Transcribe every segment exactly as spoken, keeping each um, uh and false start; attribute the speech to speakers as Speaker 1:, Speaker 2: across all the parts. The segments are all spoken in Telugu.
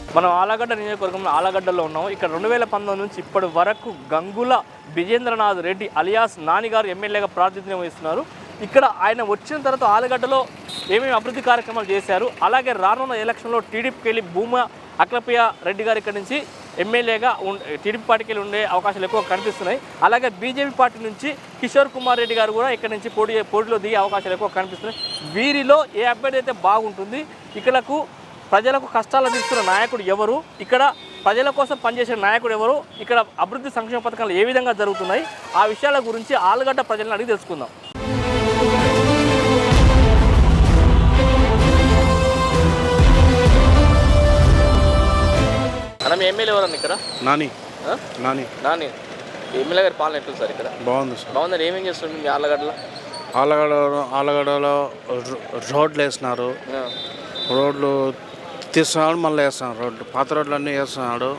Speaker 1: మనం ఆలగడ్డ నియోజకవర్గంలో ఆలగడ్డలో ఉన్నాము. ఇక్కడ రెండు వేల పంతొమ్మిది నుంచి ఇప్పటి వరకు గంగుల విజేంద్రనాథ్ రెడ్డి అలియాస్ నానిగారు ఎమ్మెల్యేగా ప్రాతినిధ్యం వహిస్తున్నారు. ఇక్కడ ఆయన వచ్చిన తర్వాత ఆలగడ్డలో ఏమేమి అభివృద్ధి కార్యక్రమాలు చేశారు, అలాగే రానున్న ఎలక్షన్లో టీడీపీకి వెళ్ళి భూమా అఖిలప్రియ రెడ్డి గారు ఇక్కడ నుంచి ఎమ్మెల్యేగా టీడీపీ పార్టీకి వెళ్ళి ఉండే అవకాశాలు ఎక్కువ కనిపిస్తున్నాయి. అలాగే బీజేపీ పార్టీ నుంచి కిషోర్ కుమార్ రెడ్డి గారు కూడా ఇక్కడ నుంచి పోటీ పోటీలో దిగే అవకాశాలు ఎక్కువ కనిపిస్తున్నాయి. వీరిలో ఏ అభ్యర్థి అయితే బాగుంటుంది, ఇక్కడకు ప్రజలకు కష్టాలు అందిస్తున్న నాయకుడు ఎవరు, ఇక్కడ ప్రజల కోసం పనిచేసే నాయకుడు ఎవరు, ఇక్కడ అభివృద్ధి సంక్షేమ పథకాలు ఏ విధంగా జరుగుతున్నాయి, ఆ విషయాల గురించి ఆలగడ్డ ప్రజలను అడిగి తెలుసుకుందాం. మనం ఎమ్మెల్యే ఎవరన్నా ఇక్కడ?
Speaker 2: నాని నాని
Speaker 1: నాని ఎమ్మెల్యే గారి పాలన ఎట్లుంది సార్? ఇక్కడ
Speaker 2: బాగుంది సార్.
Speaker 1: బాగుందని ఏమేం చేస్తుంది మీ ఆలగడ్డలో?
Speaker 2: ఆలగడ్డ ఆలగడ్డలో రోడ్లు వేస్తున్నారు, రోడ్లు తీస్తున్నాడు, మళ్ళీ వేస్తున్నాడు రోడ్లు, పాత రోడ్లు అన్నీ వేస్తున్నాడు.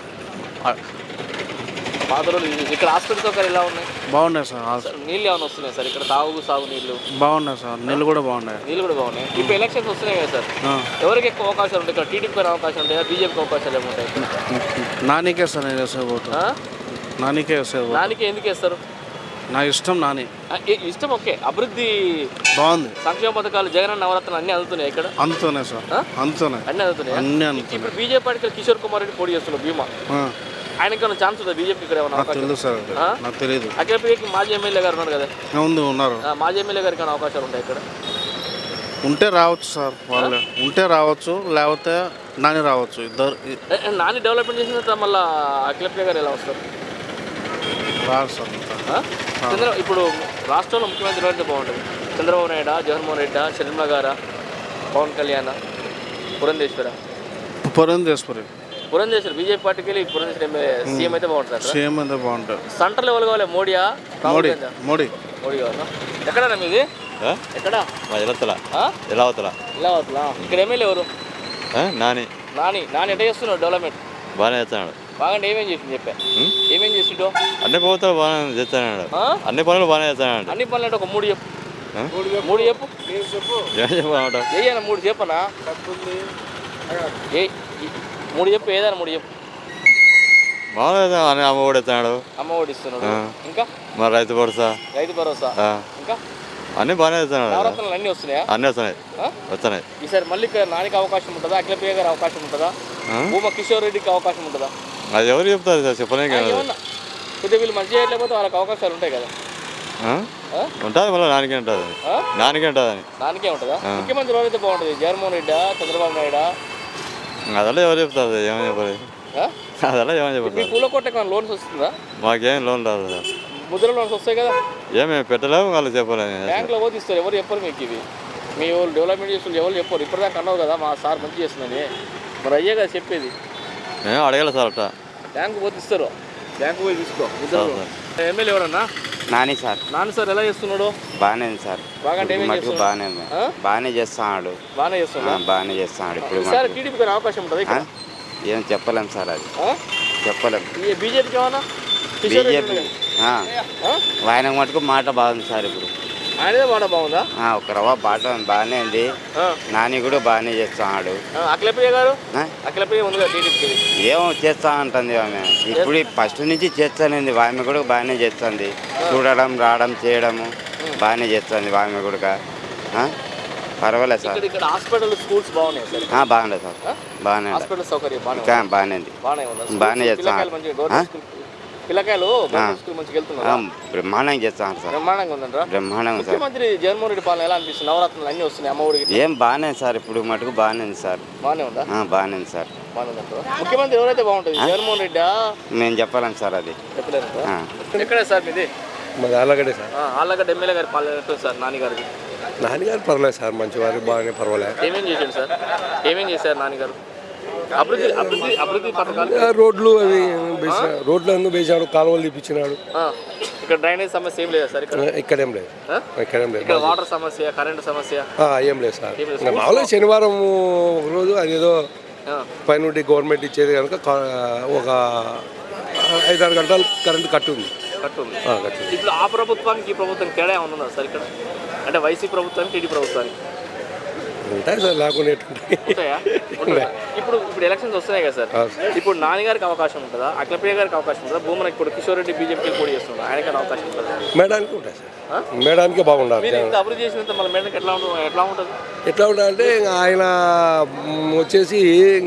Speaker 1: పాత రోడ్లు ఇక్కడ హాస్పిటల్ సౌకర్యాలు ఎలా ఉన్నాయి?
Speaker 2: బాగున్నాయి సార్.
Speaker 1: నీళ్ళు ఏమైనా వస్తున్నాయి సార్ ఇక్కడ? తాగు సాగు నీళ్ళు
Speaker 2: బాగున్నాయి సార్. నీళ్ళు కూడా బాగున్నాయి.
Speaker 1: నీళ్ళు కూడా బాగున్నాయి. ఇప్పుడు ఎలక్షన్స్ వస్తున్నాయి కదా సార్, ఎవరికి ఎక్కువ అవకాశాలు ఉంటాయి? ఇక్కడ టీడీపీకి అవకాశం ఉంటాయా, బీజేపీకి అవకాశాలు ఏముంటాయి?
Speaker 2: నానికే సార్ నేను వేసే ఓటు. నానికే వేసే ఓటు.
Speaker 1: నానికే ఎందుకు వేస్తారు?
Speaker 2: నా ఇష్టం నాని.
Speaker 1: ఇష్టం ఓకే. అభివృద్ధి
Speaker 2: బాగుంది.
Speaker 1: సంక్షేమ పథకాలు జగన్ నవరత్నాలు అన్ని అందుతున్నాయి ఇక్కడ?
Speaker 2: అందుతున్నాయి సార్, అందుతున్నాయి
Speaker 1: అన్ని అందుతున్నాయి.
Speaker 2: అన్ని అందుతున్నాయి.
Speaker 1: ఇప్పుడు బీజేపీ పార్టీ కిషోర్ కుమార్ రెడ్డి పోటీ చేస్తున్నారు భీమా, ఆయనకి ఏమైనా ఛాన్స్ ఉందా బీజేపీ ఇక్కడ ఏమైనా?
Speaker 2: తెలియదు సార్, నాకు తెలియదు.
Speaker 1: అఖిలప్రియకి మాజీ ఎమ్మెల్యే గారు ఉన్నారు కదా?
Speaker 2: ఉంది, ఉన్నారు.
Speaker 1: మాజీ ఎమ్మెల్యే గారికి ఏమైనా అవకాశాలు ఉంటాయి ఇక్కడ?
Speaker 2: ఉంటే రావచ్చు సార్, వాళ్ళు ఉంటే రావచ్చు, లేకపోతే నాని రావచ్చు. ఇద్దరు.
Speaker 1: నాని డెవలప్మెంట్ చేసిన తర్వాత మళ్ళీ అఖిలప్రియ గారు ఎలా వస్తారు?
Speaker 2: రాదు సార్.
Speaker 1: చంద్ర ఇప్పుడు రాష్ట్రంలో ముఖ్యమంత్రి ఎవరైతే బాగుంటుంది? చంద్రబాబు నాయుడు, జగన్మోహన్ రెడ్డి, షర్మిల గారా, పవన్ కళ్యాణ్, పురంధేశ్వర?
Speaker 2: పురంధేశ్వరి.
Speaker 1: పురంధేశ్వరి బీజేపీ పార్టీకి వెళ్ళి పురంధేశ్వరి సీఎం అయితే బాగుంటుంది.
Speaker 2: సీఎం అయితే బాగుంటుంది.
Speaker 1: సెంటర్లో ఎవరు కావాలి? మోడీయా?
Speaker 2: మోడీ. మోడీ
Speaker 1: మోడీ కావాలా? ఎక్కడన్నా మీది? ఎక్కడ?
Speaker 3: ఇలావతల. ఇలావతల.
Speaker 1: ఇలావతల. ఇక్కడ ఎమ్మెల్యే ఎవరు?
Speaker 3: నాని.
Speaker 1: నాని. నాని ఎట్లా చేస్తున్నాడు డెవలప్మెంట్?
Speaker 3: బాగానే చేస్తున్నాడు.
Speaker 1: బాగా ఏమేం చేసింది చెప్పా? ఏమేం చేసిండో?
Speaker 3: అన్ని ప్రభుత్వాలు బాగానే చేస్తున్నాడు. అన్ని పనులు బాగానే చేస్తున్నాడు.
Speaker 1: అన్ని పనులు అంటే ఒక మూడు చెప్పు. మూడు చెప్పు.
Speaker 3: ఏం చెప్పమంటావు?
Speaker 1: ఏదైనా మూడు చెప్పనా? ఏ మూడు చెప్పు, ఏదైనా మూడు చెప్పు.
Speaker 3: బాగా అమ్మ ఒడి ఇస్తున్నాడు.
Speaker 1: అమ్మ ఒడి ఇస్తున్నాడు. ఇంకా
Speaker 3: మరి రైతు భరోసా.
Speaker 1: రైతు భరోసా. ఇంకా
Speaker 3: అన్ని బాగానే చేస్తున్నాడు.
Speaker 1: నవరత్నాలు అన్నీ వస్తున్నాయా?
Speaker 3: అన్నీ వస్తున్నాయి, వస్తున్నాయి.
Speaker 1: ఈసారి మళ్ళీ నానికి అవకాశం ఉంటుందా? అఖిలప్రియ గారి అవకాశం ఉంటుందా? భూమా కిషోర్ రెడ్డికి అవకాశం ఉంటుందా?
Speaker 3: అది ఎవరు చెప్తారు సార్, చెప్పలేం కదా.
Speaker 1: కొద్దిగా వీళ్ళు మంచి చేయలేకపోతే వాళ్ళకి అవకాశాలు ఉంటాయి కదా.
Speaker 3: ఉంటుంది, మళ్ళీ నానికే ఉంటుంది. నానికే ఉంటుంది అని.
Speaker 1: నానికే ఉంటుందా? ముఖ్యమంత్రి ఎవరైతే బాగుంటుంది? జగన్మోహన్ రెడ్డా, చంద్రబాబు నాయుడా?
Speaker 3: అదల్లా ఎవరు చెప్తారు, ఏమని చెప్పాలి. అదల్లా ఏమని చెప్పాలి.
Speaker 1: పూల కోట లోన్స్ వస్తుందా?
Speaker 3: మాకేం లోన్ రాదు సార్.
Speaker 1: ముద్ర లోన్స్ వస్తాయి కదా?
Speaker 3: ఏమేమి పెట్టలేము, వాళ్ళు చెప్పలేము.
Speaker 1: బ్యాంకులో పోతే ఇస్తారు, ఎవరు చెప్పరు మీకు ఇవి. మీ వాళ్ళు డెవలప్మెంట్ చేస్తుంది ఎవరు చెప్పరు. ఇప్పటిదాకా అన్నావు కదా మా సార్ మంచి చేస్తుందని, మరి అయ్యే కదా చెప్పేది.
Speaker 3: మేము అడగాలి సార్ అట్లా.
Speaker 1: బ్యాంకు పోతే ఇస్తారు, బ్యాంకు పోయి తీసుకో. ఎమ్మెల్యే ఎవరన్నా?
Speaker 4: నాని సార్.
Speaker 1: నాని సార్ ఎలా చేస్తున్నాడు?
Speaker 4: బాగానే సార్.
Speaker 1: బాగా
Speaker 4: బాగానే బాగానే చేస్తున్నాడు.
Speaker 1: బాగానే చేస్తున్నాడు.
Speaker 4: బాగానే చేస్తున్నాడు. ఇప్పుడు
Speaker 1: సార్ టీడీపీకి అవకాశం ఉంటుంది?
Speaker 4: ఏం చెప్పలేం సార్, అది చెప్పలేం.
Speaker 1: బీజేపీకి ఏమన్నా?
Speaker 4: బీజేపీ ఆయన మటుకు మాట బాగుంది సార్. ఇప్పుడు
Speaker 1: ఆయనదే మాట బాగుందా?
Speaker 4: ఒక రవ్వ బాట బాగానే ఉంది. నాని కూడా బాగానే చేస్తున్నాడు.
Speaker 1: అఖిలప్రియ గారు? అఖిలప్రియ ఉంది కదా టీడీపీకి.
Speaker 4: ఏమో చేస్తా ఉంటుంది ఆమె, ఇప్పుడు ఫస్ట్ నుంచి చేస్తానండి. ఆమె కూడా బాగానే చేస్తుంది. చూడడం, రావడం, చేయడము బాగానే చేస్తుంది ఆమె కూడా. పర్వాలేదు సార్.
Speaker 1: ఇక్కడ హాస్పిటల్, స్కూల్స్ బాగున్నాయి సార్?
Speaker 4: బాగున్నాయి సార్, బాగానే.
Speaker 1: హాస్పిటల్ సౌకర్యం
Speaker 4: బాగానే ఉంది, బాగానే చేస్తాను.
Speaker 1: పిల్లకాయలు మంచిగా వెళ్తున్నారు,
Speaker 4: బ్రహ్మాండంగా చేస్తాను సార్.
Speaker 1: బ్రహ్మాండంగా ఉందంటారా?
Speaker 4: బ్రహ్మాండంగా.
Speaker 1: ముఖ్యమంత్రి జగన్మోహన్ రెడ్డి పాలన ఎలా అనిపిస్తుంది? నవరత్నాలు అన్ని వస్తున్నాయి, అమ్మ ఒడికి
Speaker 4: ఏం బాగానే సార్. ఇప్పుడు మటుకు బాగానే ఉంది సార్.
Speaker 1: బాగానే ఉందా?
Speaker 4: బాగానే ఉంది సార్.
Speaker 1: బాగానే ఉందంటారా? ముఖ్యమంత్రి ఎవరైతే బాగుంటుంది? జగన్మోహన్ రెడ్డి?
Speaker 4: మేము చెప్పలేం సార్, అది
Speaker 1: చెప్పలేదు. ఎక్కడే సార్ మీది?
Speaker 5: మాది ఆలగడ్డే సార్.
Speaker 1: ఆలగడ్డ ఎమ్మెల్యే గారి పాలన ఎట్టుంది సార్? నాన్నగారికి?
Speaker 5: నాన్నగారు పర్వాలేదు సార్, మంచివారు, బాగానే పర్వాలేదు.
Speaker 1: ఏమేం చేశాడు సార్? ఏమేం చేశారు నాన్నగారు? అభివృద్ధి అభివృద్ధి అభివృద్ధి పథకాలు,
Speaker 5: రోడ్లు అవి రోడ్లు అన్నీ వేసాడు, కాలువలు తీపించినాడు.
Speaker 1: ఇక్కడ డ్రైనేజ్ సమస్య ఏం లేదా సార్? ఇక్కడ
Speaker 5: ఇక్కడేం లేదు, ఇక్కడేం లేదు.
Speaker 1: ఇక్కడ వాటర్ సమస్య, కరెంట్ సమస్య
Speaker 5: ఏం లేదు సార్. మామూలుగా శనివారం ఒక రోజు అదేదో పైనుండి గవర్నమెంట్ ఇచ్చేది కనుక ఒక ఐదారు గంటలు కరెంట్ కట్టు ఉంది.
Speaker 1: కట్టు ఉంది. ఇప్పుడు ఆ ప్రభుత్వానికి ఈ ప్రభుత్వం తేడా ఏమన్నా ఉందా సార్ ఇక్కడ? అంటే వైసీపీ ప్రభుత్వానికి టీడీ ప్రభుత్వానికి
Speaker 5: ఉంటాయి సార్, లేకుండా ఎట్టుంటాయి.
Speaker 1: ఉంటాయా? ఉంటాయా? ఇప్పుడు ఇప్పుడు ఎలక్షన్స్ వస్తున్నాయి కదా సార్,
Speaker 5: అవును.
Speaker 1: ఇప్పుడు నాన్నగారికి అవకాశం ఉంటుందా, అఖిలప్రియ గారికి అవకాశం ఉంటుందా, భూమన ఇప్పుడు కిషోర్ రెడ్డి బీజేపీకి పోటీ చేస్తున్నారు, ఆయనకి అవకాశం ఉంటుందా?
Speaker 5: మేడానికి ఉంటాయి సార్, మేడానికి బాగుండాలి.
Speaker 1: మీరు ఇంత అభివృద్ధి చేసినంత మళ్ళీ మేడానికి ఎట్లా ఉంటుంది ఎట్లా ఉంటుంది
Speaker 5: ఎట్లా ఉండాలంటే ఇంకా ఆయన మ్, వచ్చేసి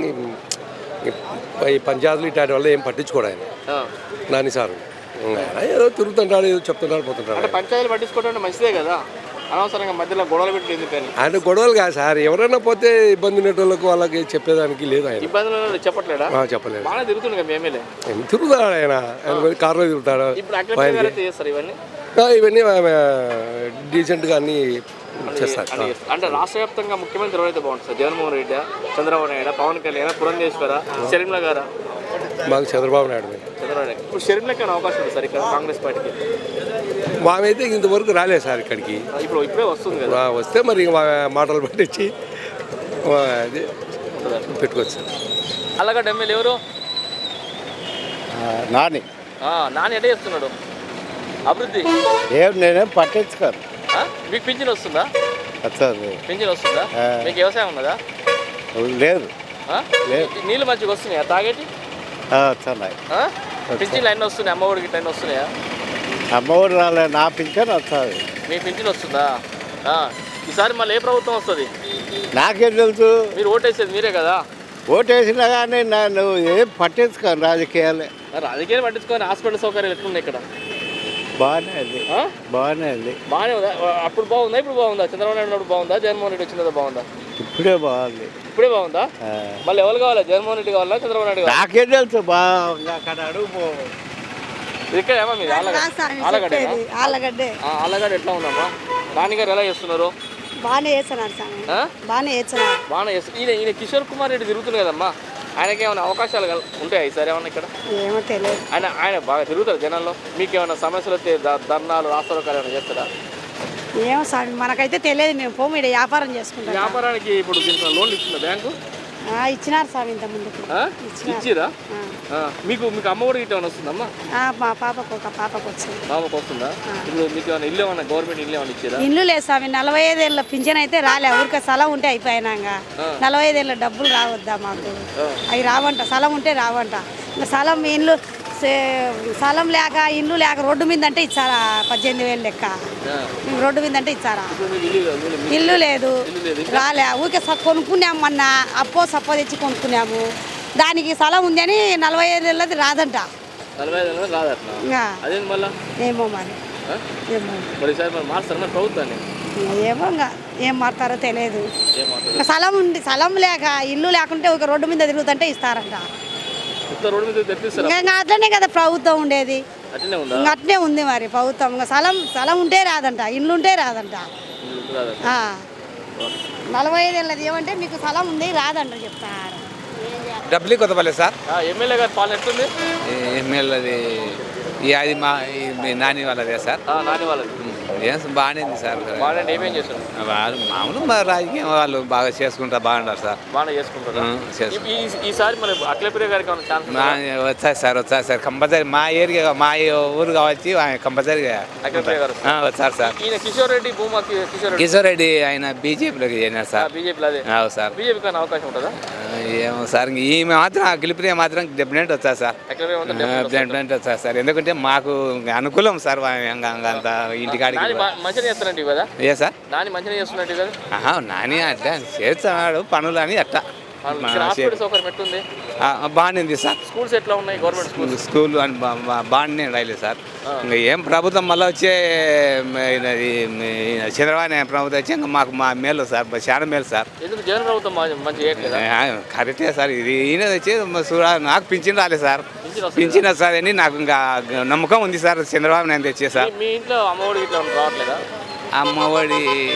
Speaker 5: ఈ పంచాయతీలు ఇట్లాంటి వల్ల ఏం పట్టించుకోడు ఆయన
Speaker 1: ఆ.
Speaker 5: నాని సార్. ఆయన ఏదో తిరుగుతుంటాడు, ఏదో చెప్తుంటాడు, పోతుంటాడు.
Speaker 1: అంటే పంచాయతీలు పట్టించుకోవడం మంచిదే కదా, అనవసరంగా మధ్యలో గొడవలు పెట్టి ఎందుకని?
Speaker 5: ఆయన గొడవలు కాదు సార్, ఎవరైనా పోతే ఇబ్బంది ఉండేటోళ్ళకు వాళ్ళకి చెప్పేదానికి లేదు ఆయన.
Speaker 1: ఇబ్బందులు చెప్పట్లేడా?
Speaker 5: ఆ, చెప్పలేదు.
Speaker 1: బాగా తిరుగుతుంది కదా ఎమ్మెల్యే.
Speaker 5: ఏం తిరుగుతాడు ఆయన, ఆయన పోయి కారులో తిరుగుతాడు.
Speaker 1: ఇప్పుడు అఖిలప్రియ గారు అయితే చేస్తారు ఇవన్నీ
Speaker 5: ఆ, ఇవన్నీ ఆమె డీసెంట్గా అన్నీ చేస్తారు.
Speaker 1: అని చేస్తారు. అంటే రాష్ట్ర వ్యాప్తంగా ముఖ్యమంత్రి ఎవరైతే బాగుంటుంది సార్? జగన్మోహన్ రెడ్డి, చంద్రబాబు నాయుడు, పవన్ కళ్యాణ్, పురంధేశ్వర, షర్మిల గారా?
Speaker 5: మాకు చంద్రబాబు నాయుడు మీద
Speaker 1: చంద్రబాబు నాయుడు. ఇప్పుడు షర్మిలకి ఏమైనా అవకాశం ఉంది సార్ ఇక్కడ కాంగ్రెస్ పార్టీకి?
Speaker 5: మామైతే ఇంతవరకు రాలేదు సార్ ఇక్కడికి.
Speaker 1: ఇప్పుడు ఇప్పుడే వస్తుంది కదా,
Speaker 5: ఆ, వస్తే మరి మా మాటలు పట్టించి ఆ, అది పెట్టుకోవచ్చు సార్.
Speaker 1: అలాగ ఎమ్మెల్యే ఎవరు?
Speaker 6: నాని
Speaker 1: ఆ, నాని ఎట్లా చేస్తున్నాడు అభివృద్ధి?
Speaker 6: ఏం నేనేం పట్టించుకోను.
Speaker 1: ఆ? మీకు పింఛన్ వస్తుందా?
Speaker 6: వస్తుంది
Speaker 1: పింఛన్ వస్తుందా?
Speaker 6: ఆ.
Speaker 1: మీకు వ్యవసాయం ఉన్నదా?
Speaker 6: లేదు
Speaker 1: ఆ?
Speaker 6: లేదు.
Speaker 1: నీళ్ళు మంచిగా వస్తున్నాయా తాగేటి?
Speaker 6: వస్తున్నాయి.
Speaker 1: ఆ? పింఛన్లు అన్నీ వస్తున్నాయి, అమ్మఒడికి ఇట్లా అన్నీ వస్తున్నాయా?
Speaker 6: అమ్మఒడి రాలే, నా పింఛన్ వస్తుంది.
Speaker 1: మీ పింఛన్ వస్తుందా? ఆ. ఈసారి మళ్ళీ ఏ ప్రభుత్వం వస్తుంది?
Speaker 6: నాకేం తెలుసు,
Speaker 1: మీరు ఓటేసేది మీరే కదా.
Speaker 6: ఓటు వేసినా కానీ నన్ను ఏం పట్టించుకోను రాజకీయాలే.
Speaker 1: రాజకీయాలు పట్టించుకొని హాస్పిటల్ సౌకర్యాలు ఎట్లున్నాయి ఇక్కడ?
Speaker 6: బాగానే ఉంది,
Speaker 1: ఆ?
Speaker 6: బాగానే ఉంది.
Speaker 1: బాగానే ఉందా? అప్పుడు బాగుందా ఇప్పుడు బాగుందా? చంద్రబాబు నాయుడు ఉన్నప్పుడు బాగుందా, జగన్మోహన్ రెడ్డి వచ్చిన బాగుందా?
Speaker 6: ఇప్పుడే బాగుంది.
Speaker 1: ఇప్పుడే బాగుందా?
Speaker 6: ఆ.
Speaker 1: మళ్ళీ ఎవరు కావాలా, జగన్మోహన్ రెడ్డి కావాలా, చంద్రబాబు నాయుడు కావాలా?
Speaker 6: నాకేం తెలుసు, బాగా అక్కడ అడుగు పో.
Speaker 1: ఇక్కడ ఏమా మీది ఆలగడ్డ? ఆలగడ్డేనా?
Speaker 7: ఆలగడ్డే
Speaker 1: ఆ, ఆలగడ్డ ఎట్లా ఉందమ్మా? నాన్నగారు ఎలా చేస్తున్నారు?
Speaker 7: బాగానే చేస్తున్నారు స్వామి,
Speaker 1: ఆ?
Speaker 7: బాగానే చేస్తున్నారు.
Speaker 1: బాగానే చేస్తారు. ఈయన ఈయన కిషోర్ కుమార్ రెడ్డి తిరుగుతుంది కదమ్మా, ఆయనకి ఏమైనా అవకాశాలు కల- ఉంటాయా ఈసారి ఏమన్నా ఇక్కడ?
Speaker 7: ఏమో తెలియదు.
Speaker 1: ఆయన ఆయన బాగా తిరుగుతారు జనాల్లో. మీకు ఏమైనా సమస్యలు వస్తే ద- ధర్నాలు రాస్తారోకాలు ఏమైనా చేస్తారా?
Speaker 7: ఏమో స్వామి, మనకైతే తెలియదు. మేము పోము, ఇక్కడ వ్యాపారం చేసుకుంటాం.
Speaker 1: వ్యాపారానికి ఇప్పుడు దీనికి లోన్లు ఇచ్చిందా బ్యాంకు?
Speaker 7: ఆ, ఇచ్చినారు స్వామి ఇంత ముందుకు.
Speaker 1: ఆ?
Speaker 7: ఇచ్చినారు.
Speaker 1: ఇచ్చిరా?
Speaker 7: ఆ.
Speaker 1: ఆ. మీకు మీకు అమ్మఒడి గిట్ట ఏమైనా వస్తుందమ్మా?
Speaker 7: ఆ, మా పాపకు ఒక పాపకు వచ్చింది.
Speaker 1: బాబాకు వస్తుందా? ఇప్పుడు మీకు ఏమైనా ఇల్లు ఏమన్నా గవర్నమెంట్ ఇల్లు ఏమైనా ఇచ్చారా?
Speaker 7: ఇల్లు లేదు స్వామి, నలభై ఐదేళ్ళ పింఛన్ అయితే రాలే. ఊరికే స్థలం ఉంటే అయిపోయినాక నలభై ఐదేళ్ళ డబ్బులు రావద్దా మాకు? అవి రావంట, స్థలం ఉంటే రావంట. ఇంకా స్థలం ఇల్లు సే- స్థలం లేక ఇల్లు లేక రోడ్డు మీద అంటే ఇచ్చారా పద్దెనిమిది వేలు లెక్క? మేము రోడ్డు మీద అంటే ఇచ్చారా?
Speaker 1: ఇప్పుడు మీకు ఇల్లు లేదు, ఇల్లు లేదు.
Speaker 7: ఇల్లు లేదు,
Speaker 1: ఇల్లు లేదు.
Speaker 7: రాలే. ఊరికే స- కొనుక్కున్నాము మొన్న, అప్పో సప్పో తెచ్చి కొనుక్కున్నాము. దానికి స్థలం ఉంది అని నలభై ఐదు ఏళ్ళది రాదంట.
Speaker 1: నలభై ఐదు నెలలు రాదట్లా?
Speaker 7: ఇంకా
Speaker 1: అదేంటి మళ్ళా?
Speaker 7: ఏమో మరి,
Speaker 1: ఆ?
Speaker 7: ఏమో
Speaker 1: మరి ఈసారి మరి మార్చారు మరి ప్రభుత్వాన్ని?
Speaker 7: ఏమో ఇంకా ఏం మారుతారో తెలియదు.
Speaker 1: ఏం మాట్లాడు?
Speaker 7: ఇంకా స్థలం ఉంది, స్థలం లేక ఇల్లు లేకుంటే ఒక రోడ్డు మీద తిరుగుతుంటే ఇస్తారంట.
Speaker 1: ఇంత రోడ్డు మీద తెప్పిస్తారా?
Speaker 7: ఇంకా ఇంకా అట్లనే కదా ప్రభుత్వం ఉండేది,
Speaker 1: అట్లనే ఉందా?
Speaker 7: ఇంకా అట్లనే ఉంది మరి ప్రభుత్వం. ఇంకా స్థలం స్థలం ఉంటే రాదంట, ఇల్లు ఉంటే రాదంట.
Speaker 1: ఇల్లు రాదట.
Speaker 7: ఆ. నలభై ఐదు ఏళ్ళది ఏమంటే మీకు స్థలం ఉంది రాదంట చెప్తారు.
Speaker 8: డబ్బులు కొత్తపల్లి సార్.
Speaker 1: ఆ, ఎమ్మెల్యే గారి పాలన ఎట్లుంది?
Speaker 8: ఎమ్మెల్యేది ఈ అది మా ఈ మీ నాని వాళ్ళదే సార్.
Speaker 1: ఆ, నాని వాళ్ళది
Speaker 8: ఏం బాగానే ఉంది సార్.
Speaker 1: బాగానే ఏమేం చేస్తారు?
Speaker 8: వాళ్ళు మామూలు మా రాజకీయం వాళ్ళు బాగా చేసుకుంటారు, బాగుంటారు సార్.
Speaker 1: బాగానే చేసుకుంటారు.
Speaker 8: ఉం, చేసుకుంటారు.
Speaker 1: ఈ- ఈ- ఈసారి మరి అఖిలప్రియ గారికి ఏమైనా ఛాన్స్
Speaker 8: మా వచ్చాయి సార్, వచ్చారు సార్ కంపల్సరీ. మా ఏరియా మా ఊరు కావచ్చు ఆయన కంపల్సరీగా
Speaker 1: అఖిలప్రియ గారు
Speaker 8: ఆ, వచ్చారు సార్.
Speaker 1: ఈయన కిషోర్ రెడ్డి భూమా కి- కిషోర్ రెడ్డి
Speaker 8: కిషోర్ రెడ్డి ఆయన బీజేపీలోకి చేరినారు సార్.
Speaker 1: బీజేపీలో అదే
Speaker 8: అవు సార్.
Speaker 1: బీజేపీకి అయినా అవకాశం ఉంటుందా?
Speaker 8: ఆ, ఏమో సార్ ఇంక ఈమె మాత్రం అఖిలప్రియ మాత్రం డెఫినెట్ వచ్చారు సార్.
Speaker 1: అఖిలప్రియ ఉంటే definitely వస్తుంది.
Speaker 8: డెఫినెట్ వచ్చారు సార్. ఎందుకంటే మాకు అనుకూలం సార్ అంత ఇంటికాడికి.
Speaker 1: నాని బా- మంచిగా చేస్తున్నట్టు కదా?
Speaker 8: ఏ సార్?
Speaker 1: నాని మంచిగా చేస్తున్నట్టు కదా?
Speaker 8: ఆహా, నాని అట్లా చేస్తున్నాడు పనులు అని అట్లా
Speaker 1: ఇక్కడ హాస్పిటల్ సౌకర్యం ఎట్లుంది?
Speaker 8: బాగానే ఉంది సార్.
Speaker 1: స్కూల్స్ ఎట్లా ఉన్నాయి గవర్నమెంట్ స్కూల్స్?
Speaker 8: స్కూల్ అని బా- బా- బాగానే రాయలేదు సార్. ఇంకా ఏం ప్రభుత్వం మళ్ళీ వచ్చే మ- ఇది మ- చంద్రబాబు నాయుడు ప్రభుత్వం వచ్చి ఇంకా మాకు మా మేలు సార్, చాలా మేలు సార్.
Speaker 1: ఎందుకు జగన్ ప్రభుత్వం మా- మంచిగా చేయట్లేదా?
Speaker 8: ఆ, కరెక్టే సార్. ఇది ఈయన వచ్చి మ- చూడ నాకు పింఛన్ రాలేదు సార్.
Speaker 1: పింఛన్ వస్తుందా?
Speaker 8: పింఛన్ వస్తుంది అని నాకు ఇంకా నమ్మకం ఉంది సార్ చంద్రబాబు నాయుడు తెచ్చే సార్.
Speaker 1: మీ- మీ ఇంట్లో అమ్మఒడి ఇట్లా రావట్లేదా?
Speaker 8: అమ్మఒడి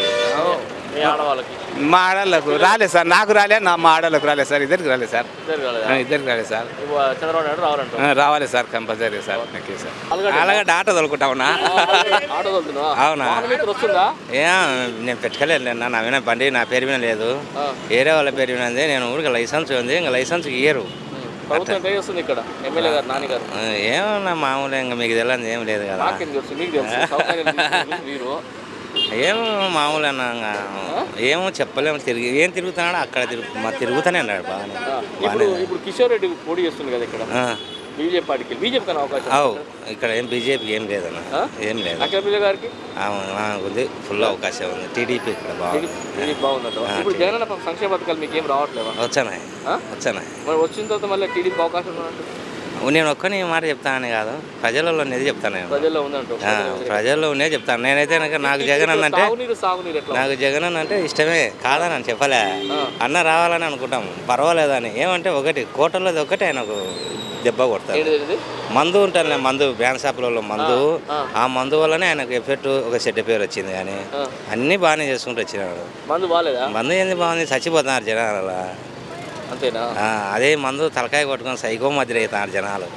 Speaker 1: మీ ఆడవాళ్ళకి
Speaker 8: మా ఆడళ్ళకు రాలేదు సార్. నాకు రాలే, నా మా ఆడళ్ళకు రాలేదు సార్. ఇద్దరికి రాలేదు సార్.
Speaker 1: ఇద్దరు కాలేదా?
Speaker 8: ఆ, ఇద్దరికి రాలేదు సార్.
Speaker 1: ఇప్పుడు చంద్రబాబు నాయుడు రావాలంటారు.
Speaker 8: ఆ, రావాలి sir compulsory sir. Okay sir.
Speaker 1: ఆలుగడ్డ
Speaker 8: అలాగే ఆటో తొలుకుంటా ఉన్నా.
Speaker 1: ఆటో తోలుతున్నావా?
Speaker 8: అవునా?
Speaker 1: వాహనం ఇక్కడ వస్తుందా?
Speaker 9: ఏ నేను పెట్టుకోలేదు నా నా మీద బండి నా పేరు మీద లేదు,
Speaker 1: ఆ.
Speaker 9: వేరే వాళ్ళ పేరు మీద ఉంది. నేను ఊరికి లైసెన్స్ ఉంది, ఇంకా లైసెన్స్ ఇయ్యరు.
Speaker 1: ప్రభుత్వం ట్రై చేస్తుంది ఇక్కడ ఎమ్మెల్యే గారు నాని గారు.
Speaker 9: ఆ, ఏమన్నా మామూలు ఇంకా మీకు తెలియదు ఏం లేదు కదా.
Speaker 1: నాకేం తెలుసు, మీకు తెలుసు. సౌకర్యాలు తీసుకున్నారు మీరు
Speaker 9: ఏమో మామూలు అన్న ఏమో చెప్పలేము తిరిగి ఏం తిరుగుతున్నాడో అక్కడ తిరుగు మా తిరుగుతూనే అన్నాడు బాగానే
Speaker 1: ఇప్పుడు ఇప్పుడు కిషోర్ రెడ్డి పోటీ చేస్తుంది కదా ఇక్కడ బీజేపీ పార్టీకి బీజేపీ కన్నా అవకాశం
Speaker 9: అవు ఇక్కడ ఏం బీజేపీ ఏం లేదన్న ఏం లేదు
Speaker 1: అఖిలప్రియ గారికి
Speaker 9: ఉంది ఫుల్ అవకాశం ఉంది టీడీపీ ఇక్కడ బాగుంది
Speaker 1: టీడీపీ బాగుందంట ఇప్పుడు జగన్ సంక్షేమ పథకాలు మీకు ఏం రావట్లేవా
Speaker 9: వచ్చానాయి వచ్చానాయి
Speaker 1: మరి వచ్చిన తర్వాత మళ్ళీ టీడీపీ అవకాశం ఉన్నట్టు
Speaker 9: నేను ఒక్కని మాట చెప్తానని కాదు ప్రజలలో ఉన్నది చెప్తాను నేను
Speaker 1: ప్రజల్లో ఉందంటూ
Speaker 9: ప్రజల్లో ఉన్నది చెప్తాను నేనైతే కనుక నాకు జగన్ అన్న అంటే
Speaker 1: సాగునీరు సాగునీరు ఎట్లా
Speaker 9: నాకు జగన్ అన్న అంటే ఇష్టమే కాదని అని చెప్పలే అన్న రావాలని అనుకుంటాం పర్వాలేదని ఏమంటే ఒకటి కోటలోది ఒకటి ఆయనకు దెబ్బ కొడతారు
Speaker 1: ఏంటిది
Speaker 9: మందు ఉంటానులే మందు బ్యాన్ షాపులలో మందు ఆ మందు వల్లనే ఆయనకు ఎఫెక్ట్ ఒక చెడ్డ పేరు వచ్చింది కానీ అన్నీ బాగానే చేసుకుంటూ వచ్చినాడు
Speaker 1: మందు బాగాలేదా
Speaker 9: మందు ఏంది బాగుంది చచ్చిపోతున్నారు జనాల
Speaker 1: అంతేనా
Speaker 9: అదే మందు తలకాయ కొట్టుకొని సైకో మధ్య అవుతున్నారు జనాలు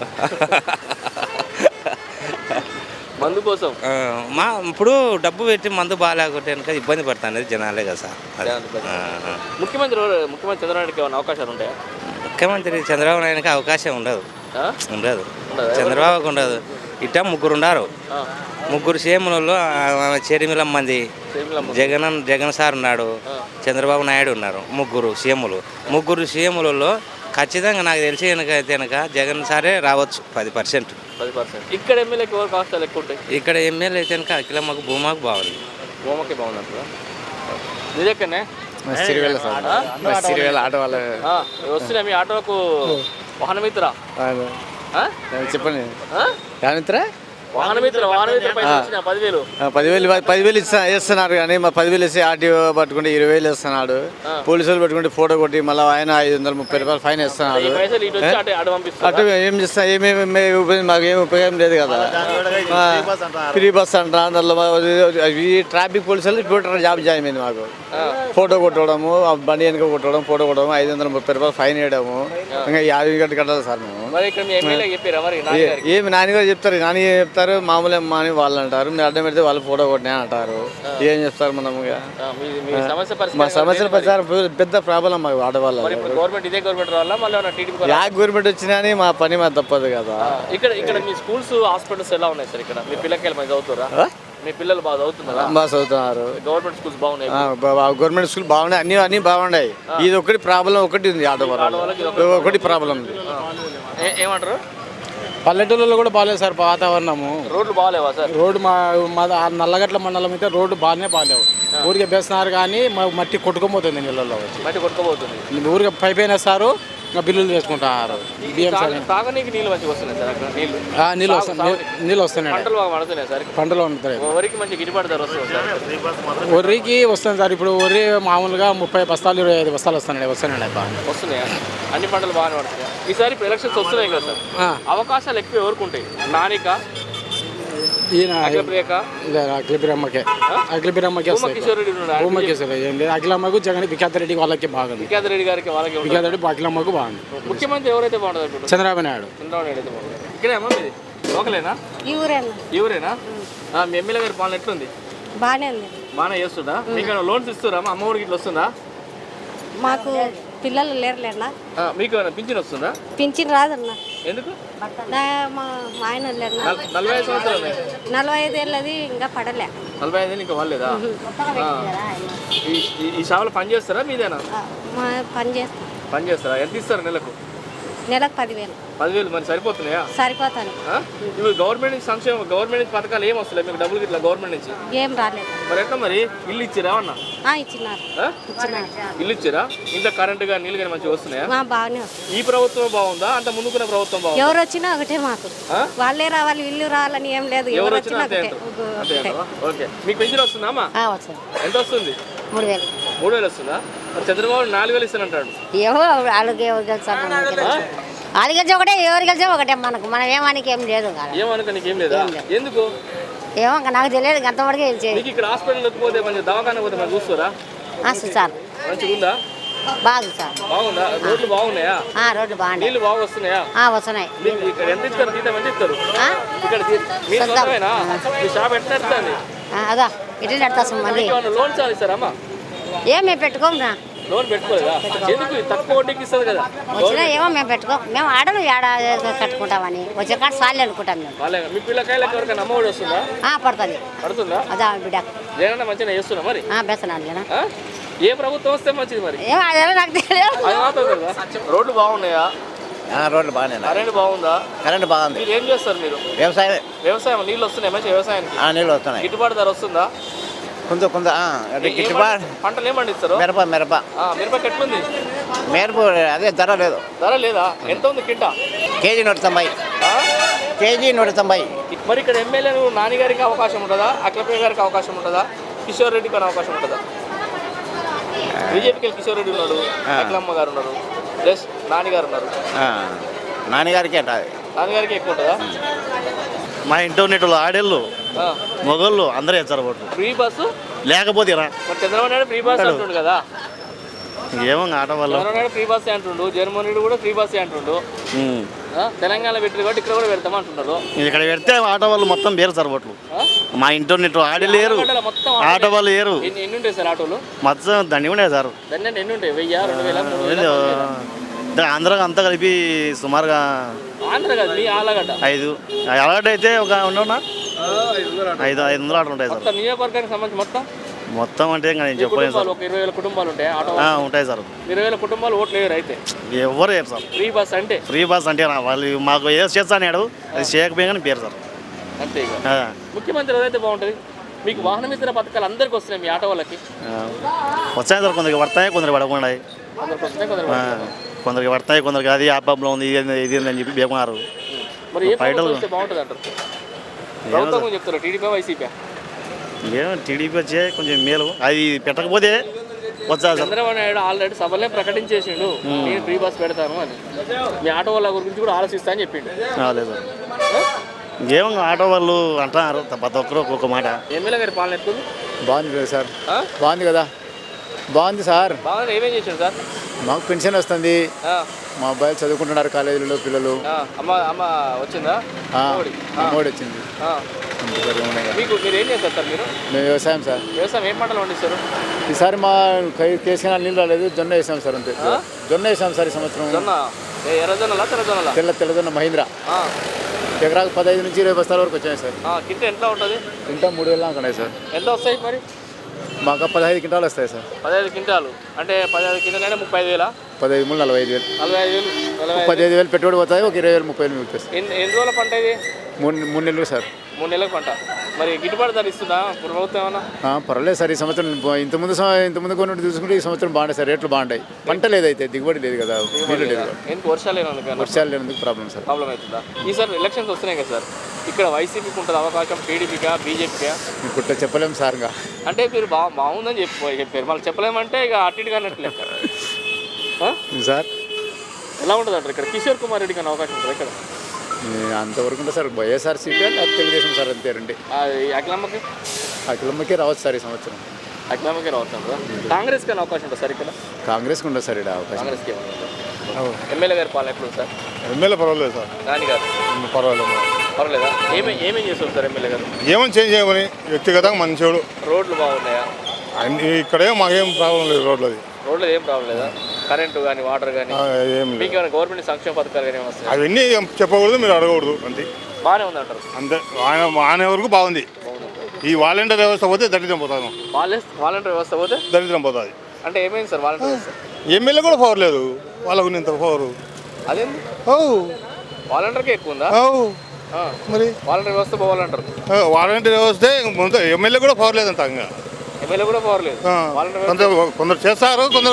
Speaker 1: మందు కోసం
Speaker 9: మా ఇప్పుడు డబ్బు పెట్టి మందు బాగాలేకుంటే కనుక ఇబ్బంది పడుతుంది జనాలే కదా సార్
Speaker 1: ముఖ్యమంత్రి ముఖ్యమంత్రి చంద్రబాబుకి ఏమైనా అవకాశాలు ఉంటాయా
Speaker 9: ముఖ్యమంత్రి చంద్రబాబు నాయుడుకి అవకాశం ఉండదు ఉండదు చంద్రబాబుకి ఉండదు ఇట్ట ముగ్గురు ఉన్నారు ముగ్గురు సీఎంలలో చెరిమిలం మంది జగన్ జగన్ సార్ ఉన్నాడు చంద్రబాబు నాయుడు ఉన్నారు ముగ్గురు సీఎంలు ముగ్గురు సీఎంలలో ఖచ్చితంగా నాకు తెలిసి కనుక అయితే కనుక జగన్ సారే రావచ్చు పది పర్సెంట్
Speaker 1: పది పర్సెంట్ ఇక్కడ ఎమ్మెల్యేకి ఎవరు కాస్టాలు ఎక్కువ ఉంటాయి
Speaker 9: ఇక్కడ ఎమ్మెల్యే అయితే కనుక అఖిలమ్మకు భూమాకు బాగుంది
Speaker 1: భూమకి బాగుంది నిజక్కనే
Speaker 8: సిరివేల సార్ సిరివేల ఆటో వాళ్ళ
Speaker 1: వస్తున్నా మీ ఆటోకు వాహన మిత్ర
Speaker 8: చెప్పండి ఏమిత్రా
Speaker 1: వాహన మిత్ర వాహన మిత్ర పదివేలు
Speaker 8: పదివేలు పదివేలు ఇస్తా వేస్తున్నారు కానీ మా పదివేలు ఇస్తే ఆర్టీఓ పట్టుకుంటే ఇరవై వేలు ఇస్తున్నాడు పోలీసులు పట్టుకుంటే ఫోటో కొట్టి మళ్ళీ ఆయన ఐదు వందల ముప్పై రూపాయలు ఫైన్ ఇస్తున్నాడు అటు ఏం చేస్తా ఏమేమి మాకు ఏమి ఉపయోగం లేదు కదా ఫ్రీ బస్ అంట అందులో ఈ ట్రాఫిక్ పోలీసులు ఇప్పుడు జాబ్ జాయిన్ అయింది మాకు ఫోటో కొట్టడము బండి వెనుక కొట్టడం ఫోటో కొట్టడం ఐదు వందల ముప్పై రూపాయలు ఫైన్ వేయడము ఇంకా యాభై గంటలు కట్టాలి సార్ మేము ఏమి నాన్నగారు చెప్తారు నాని చెప్తారు మామూలు అమ్మ అని వాళ్ళు అంటారు మీరు అడ్డం పెడితే వాళ్ళు ఫోటో కొట్టినా అంటారు ఏం చెప్తారు మనం మా సమస్యల ప్రచారం పెద్ద ప్రాబ్లం మాకు ఆడవాళ్ళ యా గవర్నమెంట్ వచ్చినా అని మా పని మా తప్పదు కదా
Speaker 1: ఇక్కడ ఇక్కడ మీ స్కూల్స్ హాస్పిటల్స్ ఎలా ఉన్నాయి సార్ ఇక్కడ మీ పిల్లలకి మంచి చదువుతారా మీ పిల్లలు బాగా చదువుతున్నారా
Speaker 8: బాగా చదువుతున్నారు
Speaker 1: గవర్నమెంట్ స్కూల్స్ బాగున్నాయి
Speaker 8: గవర్నమెంట్ స్కూల్ బాగున్నాయి అన్ని అన్ని బాగున్నాయి ఇది ఒకటి ప్రాబ్లం ఒకటి ఉంది ఆటో ఒకటి ప్రాబ్లం ఉంది
Speaker 1: ఏమంటారు
Speaker 10: పల్లెటూళ్ళలో కూడా బాగాలేదు సార్ వాతావరణము
Speaker 1: రోడ్లు బాగాలేవా సార్
Speaker 10: రోడ్డు మా మా నల్లగట్ల మండలం అయితే రోడ్డు బాగానే బాగాలేవు ఊరికే వేస్తున్నారు కానీ మట్టి కొట్టుకోబోతుంది నీళ్ళల్లో వచ్చి
Speaker 1: మట్టి కొట్టుకోబోతుంది
Speaker 10: ఊరికే పైప్ వేస్తారు ఇంకా బిల్లులు చేసుకుంటారు
Speaker 1: తాగనీకి నీళ్ళు మంచిగా వస్తున్నాయి సార్ అక్కడ నీళ్ళు
Speaker 10: నీళ్ళు వస్తున్నాయి నీళ్ళు వస్తున్నాయి
Speaker 1: పంటలు బాగా పడుతున్నాయి సార్
Speaker 10: పంటలు ఉంటాయి
Speaker 1: వరికి మంచి గిట్టుబాటు ధర వస్తుంది సార్
Speaker 10: వరికి వస్తుంది సార్ ఇప్పుడు వరి మామూలుగా ముప్పై బస్తాలు ఇరవై ఐదు బస్తాలు వస్తున్నాయి వస్తున్నాయి బాగా
Speaker 1: వస్తున్నాయా అన్ని పంటలు బాగానే పడుతున్నాయి ఈసారి ఇప్పుడు ఎలక్షన్స్ వస్తున్నాయి కదా సార్ అవకాశాలు ఎక్కువ ఎవరికి ఉంటాయి నానిక
Speaker 10: ఈయన
Speaker 1: అఖిలప్రియక
Speaker 10: అఖిలప్రియమ్మకే అఖిలప్రియమ్మకే వస్తాయి ఏం లేదు అఖిలమ్మకు జగన్ విఖ్యాత రెడ్డి వాళ్ళకి బాగుంది
Speaker 1: విఖ్యాత రెడ్డి గారికి వాళ్ళకి
Speaker 10: విఖ్యాత రెడ్డి అఖిలమ్మకు బాగుంది
Speaker 1: ముఖ్యమంత్రి ఎవరైతే బాగుంటుంది
Speaker 10: చంద్రబాబు నాయుడు
Speaker 1: చంద్రబాబు నాయుడు అయితే బాగుంటుంది ఇక్కడే అమ్మా మీది లోకలేనా
Speaker 7: ఈ ఊరేనా
Speaker 1: ఈ ఊరేనా మీ ఎమ్మెల్యే గారి పాలన ఎట్లుంది
Speaker 7: బాగానే ఉంది
Speaker 1: బాగానే చేస్తుందా మీకు లోన్స్ ఇస్తురా మా అమ్మఒడికి ఇట్లా వస్తుందా
Speaker 7: మాకు పిల్లలు లేరులేనా
Speaker 1: మీకు పింఛన్ వస్తుందా
Speaker 7: పింఛన్ రాదన్నా
Speaker 1: ఎందుకు
Speaker 7: మా ఆయన లేరు
Speaker 1: నలభై ఐదు సంవత్సరాలు
Speaker 7: నలభై ఐదు ఏళ్ళది ఇంకా పడలే
Speaker 1: నలభై ఐదు ఇంకా వాళ్ళేదా ఈ షాపులో పని చేస్తారా మీదేనా
Speaker 7: పని చేస్తాం
Speaker 1: పని చేస్తారా ఎంత ఇస్తారా నెలకు
Speaker 7: నెలకు పదివేలు
Speaker 1: పదివేలు మరి సరిపోతున్నాయా
Speaker 7: సరిపోతాను
Speaker 1: ఇప్పుడు గవర్నమెంట్ నుంచి సంక్షేమ గవర్నమెంట్ నుంచి పథకాలు ఏం వస్తున్నాయి మీకు డబ్బులు ఇట్లా గవర్నమెంట్ నుంచి
Speaker 7: ఏం రాలేదు
Speaker 1: మరి ఎట్లా మరి ఇల్లు ఇచ్చిరా అన్న
Speaker 7: ఇచ్చినారు
Speaker 1: ఇల్లు ఇచ్చిరా ఇంట్లో కరెంటు కానీ నీళ్ళు కానీ మంచిగా వస్తున్నాయా
Speaker 7: బాగానే వస్తుంది
Speaker 1: ఈ ప్రభుత్వం బాగుందా అంత ముందుకున్న ప్రభుత్వం బాగుందా
Speaker 7: ఎవరు వచ్చినా ఒకటే మాకు వాళ్ళే రావాలి ఇల్లు రావాలని ఏం లేదు
Speaker 1: ఎవరు వచ్చినా ఓకే మీకు పెన్షన్ వస్తుందా అమ్మా ఎంత వస్తుంది
Speaker 7: మూడు వేలు
Speaker 1: మూడు వేలు వస్తుందా చంద్రబాబు నాలుగు వేలు ఇస్తానంటాడు
Speaker 7: ఏమో వాళ్ళకి ఎవరు గెలిచారు వాళ్ళు గెలిచే ఒకటే ఎవరు గెలిచే ఒకటే మనకు మనం ఏమానికి ఏం లేదు
Speaker 1: ఏమనుకో నీకు ఏం లేదా ఎందుకు
Speaker 7: ఏమో నాకు తెలియదు అంతవరకు
Speaker 1: మీకు ఇక్కడ హాస్పిటల్కి పోతే మంచి దవాఖాన పోతే మనం చూస్తారా
Speaker 7: సార్
Speaker 1: మంచిగా ఉందా
Speaker 7: బాగుంది సార్
Speaker 1: బాగుందా రోడ్లు బాగున్నాయా
Speaker 7: రోడ్లు బాగున్నాయి
Speaker 1: నీళ్ళు బాగా వస్తున్నాయా
Speaker 7: వస్తున్నాయి
Speaker 1: ఇక్కడ ఎంత ఇస్తారు జీతం ఎంత ఇస్తారు ఇక్కడ మీ సొంతమేనా మీ షాప్ ఎట్లా నడుస్తుంది
Speaker 7: అదా ఎట్లా నడుస్తాం మళ్ళీ
Speaker 1: లోన్ చాలు ఇస్తారమ్మా
Speaker 7: ఏమే పెట్టుకోమరా
Speaker 1: లోన్ పెట్టుకోలేదా ఎందుకు తక్కువ వడ్డీకి ఇస్తుంది కదా
Speaker 7: వచ్చినా ఏమో మేము పెట్టుకో మేము ఆడను ఏడ కట్టుకుంటామని వచ్చే కాడ సార్లు అనుకుంటాం మేము
Speaker 1: మీ పిల్లకాయలకి ఎవరికైనా అమ్మఒడి వస్తుందా
Speaker 7: పడుతుంది
Speaker 1: పడుతుందా
Speaker 7: అదా బిడ్డ
Speaker 1: జగన్ మంచిగా చేస్తున్నా మరి
Speaker 7: బెసనాలు
Speaker 1: ఆ? ఏ ప్రభుత్వం వస్తే మంచిది మరి
Speaker 7: ఏమో అదేమో నాకు తెలియదు.
Speaker 1: అది మాత్రం తెలుసా? రోడ్లు బాగున్నాయా?
Speaker 8: రోడ్లు బాగానే
Speaker 1: కరెంట్ బాగుందా?
Speaker 8: కరెంట్ బాగుంది.
Speaker 1: మీరు ఏం చేస్తారు మీరు?
Speaker 8: వ్యవసాయం
Speaker 1: వ్యవసాయం నీళ్ళు వస్తున్నాయి మంచి వ్యవసాయానికి
Speaker 8: నీళ్ళు వస్తున్నాయి.
Speaker 1: గిట్టుబాటు ధర వస్తుందా?
Speaker 8: కొంత కొంత
Speaker 1: ఏ- ఏం పంట- పంటలు ఏం పండిస్తారు?
Speaker 8: మిరప మిరప
Speaker 1: ఆ, మిరపకి ఎట్లుంది?
Speaker 8: మిరప అదే ధర లేదు.
Speaker 1: ధర లేదా? ఎంత ఉంది కింటా?
Speaker 8: కేజీ నూట తొంభై
Speaker 1: ఆ?
Speaker 8: కేజీ నూట తొంభై
Speaker 1: మరి ఇక్కడ ఎమ్మెల్యేలు నాని గారికి అవకాశం ఉంటుందా? అఖిలప్రియ గారికి అవకాశం ఉంటుందా? కిషోర్ రెడ్డికి అని అవకాశం ఉంటుందా? బీజేపీకి కిషోర్ రెడ్డి ఉన్నాడు, అఖిలమ్మ గారు ఉన్నారు, ప్లస్ నాని గారు ఉన్నారు.
Speaker 8: నాన్నగారికి అట
Speaker 1: నాని గారికి ఎక్కువ ఉంటుందా?
Speaker 3: మా ఇంటర్నెట్లో ఆడేళ్ళు
Speaker 1: ఆ.
Speaker 3: మొగళ్ళు అందరూ వేస్తారు ఓట్లు
Speaker 1: ఫ్రీ బస్సు
Speaker 3: లేకపోతే రా
Speaker 1: మరి చంద్రబాబు నాయుడు ఫ్రీ బస్ అంటుండు కదా.
Speaker 3: ఏమో ఆట వల్ల
Speaker 1: చంద్రబాబు నాయుడు ఫ్రీ బస్ అంటుండు, జగన్మోహన్ రెడ్డి కూడా ఫ్రీ బస్ అంటుండు. ఆ, తెలంగాణ పెట్టింది కాబట్టి ఇక్కడ కూడా పెడతాం అంటున్నారు.
Speaker 3: ఇక్కడ పెడితే ఆటో వాళ్ళు మొత్తం వేరు సార్ ఓట్లు.
Speaker 1: ఆ?
Speaker 3: మా ఇంటర్నెట్ ఆడేళ్ళు లేరు,
Speaker 1: ఆటోలో మొత్తం
Speaker 3: ఆటో వాళ్ళు లేరు,
Speaker 1: ఎన్ని ఎన్ని ఉంటాయి సార్ ఆటోలు?
Speaker 3: మొత్తం దండి ఉండే సార్.
Speaker 1: దాన్ని ఎన్ని ఉంటాయి? వెయ్యి, రెండు వేల, మూడు వేల?
Speaker 3: ఆంధ్ర అంతా కలిపి సుమారుగా
Speaker 1: ఆంధ్ర కాదు, మీ ఆలగడ్డ
Speaker 3: ఐదు అలవాటు అయితే ఒక ఉండవునా ఐదు ఐదు వందలు ఆటలు ఉంటాయి సార్.
Speaker 1: మొత్తం నియోజకవర్గానికి సంబంధించి మొత్తం
Speaker 3: మొత్తం అంటే ఇంకా నేను చెప్పలేను సార్.
Speaker 1: కుటుంబాలు ఒక ఇరవై వేల కుటుంబాలు ఉంటాయి ఆటో.
Speaker 3: ఆ, ఉంటాయి సార్.
Speaker 1: ఇరవై వేల కుటుంబాలు ఓట్లు వేయరు అయితే.
Speaker 3: ఎవరు వేరు సార్.
Speaker 1: ఫ్రీ బస్ అంటే
Speaker 3: ఫ్రీ బస్ అంటే నా వాళ్ళు మాకు ఏదో చేస్తాడు అది చేయకపోయినా పేరు సార్.
Speaker 1: అంతే ఇక.
Speaker 3: ఆ,
Speaker 1: ముఖ్యమంత్రి ఏదైతే బాగుంటుంది. మీకు వాహనం ఇతర పథకాలు అందరికి వస్తున్నాయి మీ ఆటో వాళ్ళకి?
Speaker 3: ఆ. వచ్చాయి సార్, కొందరికి పడతాయి కొందరికి పడకుండా.
Speaker 1: అందరికి వస్తున్నాయి, కొందరు
Speaker 3: ఆ, కొందరికి పడతాయి కొందరికి అది ఆ ప్రాబ్లం ఉంది ఇది ఇది అని చెప్పి బేకున్నారు.
Speaker 1: మరి ఏ ప్రభుత్వం వస్తే బాగుంటుంది అంటారు? ప్రభుత్వం గురించి చెప్తారు, టీడీపీ వైసీపీ?
Speaker 3: ఏమో టీడీపీ వచ్చే కొంచెం మేలు, అది పెట్టకపోతే వచ్చా సార్.
Speaker 1: చంద్రబాబు నాయుడు ఆల్రెడీ సభలే ప్రకటించేసిండు నేను ఫ్రీ బస్ పెడతాను అని. మీ ఆటో వాళ్ళ గురించి కూడా ఆలోచిస్తా అని చెప్పిండు.
Speaker 3: లేదు ఏమో ఆటో వాళ్ళు అంటున్నారు ప్రతి ఒక్కరు ఒక్కొక్క మాట.
Speaker 1: ఎమ్మెల్యే గారి పాలన ఎత్తుంది
Speaker 8: బాగుంది కదా సార్.
Speaker 1: ఆ?
Speaker 8: బాగుంది కదా, బాగుంది సార్.
Speaker 1: బాగా ఏమేం చేసిండు సార్?
Speaker 8: మాకు పెన్షన్ వస్తుంది.
Speaker 1: ఆ,
Speaker 8: మా అబ్బాయిలు చదువుకుంటున్నారు కాలేజీలో పిల్లలు.
Speaker 1: ఆ, అమ్మ అమ్మ వచ్చిందా?
Speaker 8: ఆ,
Speaker 1: అమ్మఒడి. ఆ,
Speaker 8: అమ్మఒడి వచ్చింది.
Speaker 1: ఆ.
Speaker 8: అంతే సార్, ఏమున్నాయి కదా.
Speaker 1: మీకు మీరు ఏం చేస్తారు సార్? మీరు
Speaker 8: మేము వ్యవసాయం సార్.
Speaker 1: వ్యవసాయం ఏం పంటలు పండిస్తారు?
Speaker 8: ఈసారి మా కేసీఆర్ నీళ్ళు రాలేదు, జొన్న వేసాం సార్. అంతే జొన్న వేసాం సార్ ఈ సంవత్సరం.
Speaker 1: జొన్న ఏ ఎర్రజొన్నలా తెల్లజొన్నలా?
Speaker 8: తెల్ల తెల్లజొన్న మహీంద్రా.
Speaker 1: ఆ,
Speaker 8: ఎకరాకు పదహైదు నుంచి ఇరవై బస్తాల వరకు వచ్చాయి సార్.
Speaker 1: ఆ, కింట ఎంత ఉంటుంది?
Speaker 8: ఇంకా మూడు వేల దాకా ఉన్నాయి సార్.
Speaker 1: ఎంత వస్తాయి మరి?
Speaker 8: మాకు పదహైదు క్వింటాలు వస్తాయి సార్.
Speaker 1: పదహైదు క్వింటాలు అంటే పదహైదు క్వింటాలు అంటే ముప్పై ఐదు వేల
Speaker 8: పదహైదు మూడు నలభై ఐదు వేలు
Speaker 1: నలభై ఐదు వేలు నలభై ఐదు
Speaker 8: పదిహేను వేలు పెట్టుబడి పోతాయి, ఒక ఇరవై వేలు ముప్పై వేలు మిగులుతాయి సార్.
Speaker 1: ఎన్ని ఎన్ని రోజుల పంట ఇది?
Speaker 8: మూడు మూడు నెలలు సార్.
Speaker 1: మూడు నెలల పంట. మరి గిట్టుబాటు ధర ఇస్తుందా ప్రభుత్వం ఏమన్నా?
Speaker 8: ఆ, పర్వాలేదు సార్. ఈ సంవత్సరం ఇంతకుముందు సం- ఇంతకుముందు కొన్ని చూసుకుంటే ఈ సంవత్సరం బాగుంటాయి సార్. రేట్లు బాగుంటాయి. పంట లేదైతే దిగుబడి లేదు కదా, నీళ్ళు లేదు కదా.
Speaker 1: ఎందుకు వర్షాలు లేనందుకు
Speaker 8: వర్షాలు లేనందుకు ప్రాబ్లం సార్.
Speaker 1: ప్రాబ్లం అవుతుందా? ఈసారి ఎలక్షన్స్ వస్తున్నాయి కదా సార్, ఇక్కడ వైసీపీకి ఉంటుంది అవకాశం, టీడీపీకా కుట్టా
Speaker 8: ఇప్పుడు చెప్పలేము సార్. ఇంకా
Speaker 1: అంటే మీరు బా బాగుందని చెప్పి చెప్పారు, మళ్ళీ చెప్పలేమంటే ఇక అటు ఇటుగా అన్నట్లే. ఆ?
Speaker 8: సార్
Speaker 1: ఎలా ఉంటుంది అంటారు ఇక్కడ? కిషోర్ కుమార్ రెడ్డికి అనే అవకాశం ఉంటుంది ఇక్కడ?
Speaker 8: అంతవరకు ఉంటుంది సార్. వైఎస్ఆర్సీపీ అంటే అది తెలుగుదేశం సార్, అంతే రండి.
Speaker 1: ఆ, ఈ అఖిలమ్మకి
Speaker 8: అఖిలమ్మకే రావచ్చు సార్ ఈ సంవత్సరం.
Speaker 1: అఖిలమ్మకి రావచ్చు అంటారా? కాంగ్రెస్కి అనే అవకాశం ఉంటుంది సార్ ఇక్కడ?
Speaker 8: కాంగ్రెస్కి ఉండదు సార్ ఇక్కడ అవకాశం.
Speaker 1: కాంగ్రెస్కి ఏమన్నా ఉంటుందా? ఎమ్మెల్యే గారి పాలన ఎప్పుడు సార్?
Speaker 5: ఎమ్మెల్యే పర్వాలేదు సార్,
Speaker 1: నాని గారు
Speaker 5: పర్వాలేదు.
Speaker 1: పర్వాలేదా? ఏమే ఏమేం చేస్తారు సార్ ఎమ్మెల్యే గారు?
Speaker 5: ఏమని చేంజ్ చేయమని వ్యక్తిగతంగా మంచోడు.
Speaker 1: రోడ్లు బాగున్నాయా?
Speaker 5: ఇక్కడేం మాకేం ప్రాబ్లం లేదు రోడ్లది.
Speaker 1: రోడ్లు ఏం ప్రాబ్లం లేదా? కరెంటు కానీ వాటర్ కానీ
Speaker 5: ఏం
Speaker 1: మీకు ఏమైనా గవర్నమెంట్ సంక్షేమ పథకాలు కానీ ఏమైనా వస్తాయి?
Speaker 5: అవన్నీ చెప్పకూడదు, మీరు అడగకూడదు అంతే.
Speaker 1: బాగానే ఉంది అంటారు.
Speaker 5: అంతే ఆయన ఆయన వరకు బాగుంది. ఈ వాలంటీర్ వ్యవస్థ పోతే దరిద్రం పోతాను.
Speaker 1: వాలంటీర్ వాలంటీర్ వ్యవస్థ పోతే
Speaker 5: దరిద్రం పోతుంది.
Speaker 1: అంటే ఏమైంది సార్ వాలంటీర్ వ్యవస్థ?
Speaker 5: ఎమ్మెల్యే కూడా పవర్ లేదు వాళ్ళకు ఇంత పవర్.
Speaker 1: అదేంది
Speaker 5: ఓ
Speaker 1: వాలంటీర్కే ఎక్కువ ఉందా?
Speaker 5: ఓ
Speaker 1: ఆ,
Speaker 5: మరి
Speaker 1: వాలంటీర్ వ్యవస్థ పోవాలంటారు.
Speaker 5: వాలంటీర్ వ్యవస్థ ఎమ్మెల్యే కూడా పవర్ లేదంట. ఇంకా
Speaker 1: ఎమ్మెల్యే కూడా పవర్ లేదు. వాలంటీర్ వ్యవస్థ
Speaker 5: కొందరు కొందరు చేస్తారు, కొందరు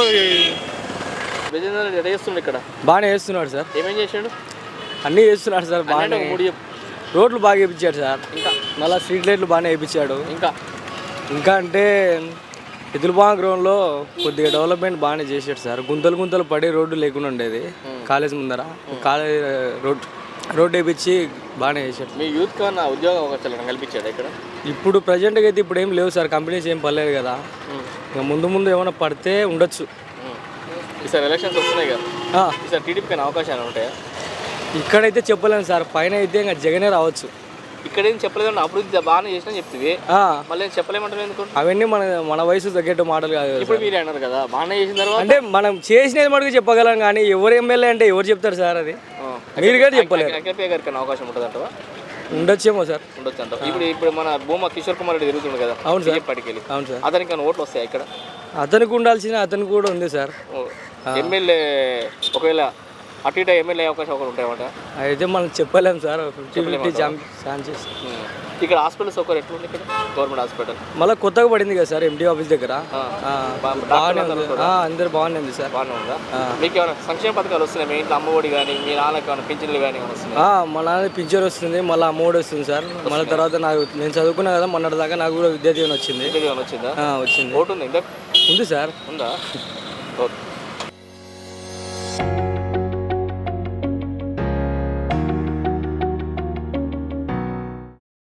Speaker 1: విజేంద్ర రెడ్డి ఎడ చేస్తుండే ఇక్కడ?
Speaker 11: బాగానే చేస్తున్నాడు సార్.
Speaker 1: ఏమేం చేసాడు?
Speaker 11: అన్నీ చేస్తున్నాడు సార్. బాగానే
Speaker 1: మూడు చెప్పు.
Speaker 11: రోడ్లు బాగా వేయించాడు సార్.
Speaker 1: ఇంకా
Speaker 11: మళ్ళీ స్ట్రీట్ లైట్లు బాగానే వేయించాడు.
Speaker 1: ఇంకా
Speaker 11: ఇంకా అంటే ఎదులుబాగా గ్రౌండ్లో కొద్దిగా డెవలప్మెంట్ బాగానే చేశాడు సార్. గుంతలు గుంతలు పడి రోడ్డు లేకుండా ఉండేది కాలేజ్ ముందర. కాలేజ్ రోడ్ రోడ్డు వేయించి బాగానే చేశాడు.
Speaker 1: మీ యూత్ కన్నా ఉద్యోగ అవకాశాలను కల్పించాడు ఇక్కడ?
Speaker 11: ఇప్పుడు ప్రజెంట్గా అయితే ఇప్పుడు ఏం లేవు సార్, కంపెనీస్ ఏం పడలేదు కదా. ఇంకా ముందు ముందు ఏమైనా పడితే ఉండొచ్చు.
Speaker 1: ఈసారి ఎలక్షన్స్ వస్తున్నాయి కదా, ఈసారి టీడీపీకి అవకాశాలు ఉంటాయా?
Speaker 11: ఇక్కడైతే చెప్పలేము సార్, పైన అయితే ఇంకా జగనే రావచ్చు.
Speaker 1: ఇక్కడేం చెప్పలేదు, అభివృద్ధి బాగానే చేసినా చెప్తుంది, మళ్ళీ చెప్పలేమంటారు ఎందుకు?
Speaker 11: అవన్నీ మన మన వయసు తగ్గట్టు మాటలు కాదు.
Speaker 1: ఇప్పుడు మీరే అన్నారు కదా బాగానే చేసిన తర్వాత.
Speaker 11: అంటే మనం చేసినది మటుకు చెప్పగలం, కానీ ఎవరు ఎమ్మెల్యే అంటే ఎవరు చెప్తారు సార్? అది మీరు కూడా చెప్పలేరు.
Speaker 1: అఖిలప్రియ గారికి అవకాశం ఉంటుంది అంటవా?
Speaker 11: ఉండొచ్చేమో సార్.
Speaker 1: ఉండొచ్చు అంట. ఇప్పుడు ఇప్పుడు మన భూమా కిషోర్ కుమార్ రెడ్డి తిరుగుతుంది కదా.
Speaker 11: అవును సార్.
Speaker 1: ఇప్పటికి వెళ్ళి
Speaker 11: అవును సార్.
Speaker 1: అతనికి కానీ ఓట్లు వస్తాయి ఇక్కడ.
Speaker 11: అతనికి ఉండాల్సిన అతనికి కూడా ఉంది సార్.
Speaker 1: ఎమ్మెల్యే ఒకవేళ అటు ఇటు ఎమ్మెల్యే అవకాశం ఒకటి ఉంటాయన్నమాట.
Speaker 11: అయితే మనం చెప్పలేము సార్. Fifty fifty chances.
Speaker 1: ఇక్కడ హాస్పిటల్ సౌకర్యం ఎట్లుంది ఇక్కడ గవర్నమెంట్ హాస్పిటల్?
Speaker 11: మళ్ళీ కొత్తగా పడింది కదా సార్ ఎండి ఆఫీస్ దగ్గర. బాగానే ఉంది, అందరు బాగానే ఉంది సార్.
Speaker 1: బాగానే ఉందా? మీకు ఏమైనా సంక్షేమ పథకాలు వస్తున్నాయి? మీ ఇంట్లో అమ్మఒడి కానీ మీ నాన్నకి ఏమైనా పింఛన్లు కానీ వస్తున్నాయి?
Speaker 11: మా నాన్న పింఛన్ వస్తుంది, మళ్ళీ అమ్మఒడి వస్తుంది సార్. మళ్ళీ తర్వాత నాకు నేను చదువుకున్నా కదా మొన్నటి దాకా నాకు కూడా విద్యా దీవెన వచ్చింది.
Speaker 1: విద్యా దీవెన వచ్చిందా?
Speaker 11: వచ్చింది.
Speaker 1: ఓటు ఉంది?
Speaker 11: ఉంది సార్.
Speaker 1: ఉందా? ఓకే.